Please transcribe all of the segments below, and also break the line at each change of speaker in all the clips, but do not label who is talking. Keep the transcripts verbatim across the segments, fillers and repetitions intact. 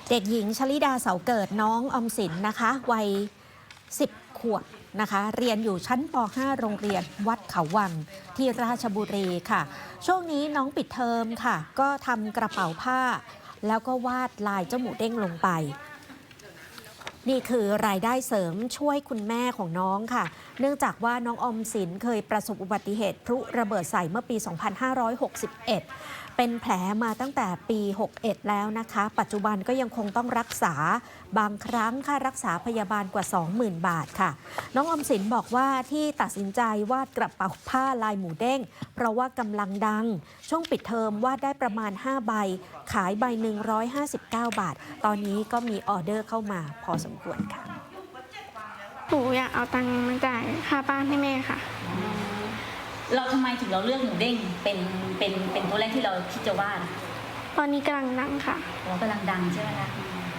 เด็กหญิงชลิดาเสาเกิดน้องออมสินนะคะวัยสิบขวบนะคะเรียนอยู่ชั้นป .ห้า โรงเรียนวัดเขาวังที่ราชบุรีค่ะช่วงนี้น้องปิดเทอมค่ะก็ทำกระเป๋าผ้าแล้วก็วาดลายเจ้าหมูเด้งลงไปนี่คือรายได้เสริมช่วยคุณแม่ของน้องค่ะเนื่องจากว่าน้องออมสินเคยประสบอุบัติเหตุพลุระเบิดใส่เมื่อปี สองพันห้าร้อยหกสิบเอ็ด เป็นแผลมาตั้งแต่ปี หกสิบเอ็ด แล้วนะคะปัจจุบันก็ยังคงต้องรักษาบางครั้งค่ารักษาพยาบาลกว่า สองหมื่น บาทค่ะน้องออมสินบอกว่าที่ตัดสินใจวาดกระเป๋าผ้าลายหมูเด้งเพราะว่ากำลังดังช่วงปิดเทอมวาดได้ประมาณห้าใบขายใบหนึ่งร้อยห้าสิบเก้าบาทตอนนี้ก็มีออเดอร์เข้ามาพอสมควรค่ะ
หนูอยากเอาตังค์มาจ่ายค่าบ้านให้แม่ค่ะ
เราทำไมถึงเราเลือกหมูเด้งเป็นเป็นเป็นตัวแรกที่เราคิดจะวาด
ตอนนี้กำลังดังค่ะ
เรากำลังดังใช่ไหมคะ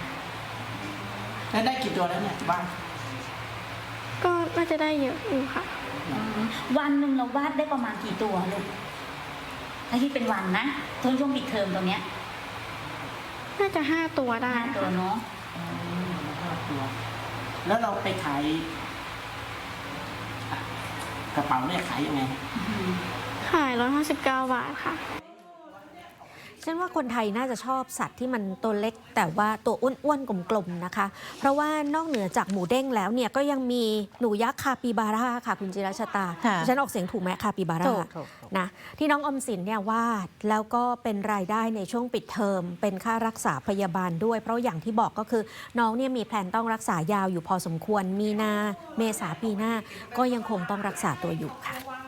แล้วได้กี่ตัวแล้วเนี่ยบ้าง
ก็น่าจะได้เยอะอยู่ค่ะ
วันหนึ่งเราวาดได้ประมาณกี่ตัวลูกถ้าคิดเป็นวันนะช่วงช่วงปิดเทอมตรงเนี้ย
น่าจะห้าตัวได้
ห้าตัวเนาะ
ห้าตัวแล้วเราไปขายกระเป๋าเนี่ยขายยังไง
ขายร้อยห้าสิบเก้าบาทค่ะ
ฉันว่าคนไทยน่าจะชอบสัตว์ที่มันตัวเล็กแต่ว่าตัวอ้วนๆกลมๆนะคะเพราะว่านอกเหนือจากหมูเด้งแล้วเนี่ยก็ยังมีหนูยักษ์คาปิบาร่าค่ะคุณจิรชตาฉันออกเสียงถูกไหมคาปิบาร่านะที่น้องอมสินเนี่ยวาดแล้วก็เป็นรายได้ในช่วงปิดเทอมเป็นค่ารักษาพยาบาลด้วยเพราะอย่างที่บอกก็คือน้องเนี่ยมีแผนต้องรักษายาวอยู่พอสมควรมีนาเมษาปีหน้าก็ยังคงต้องรักษาตัวอยู่ค่ะ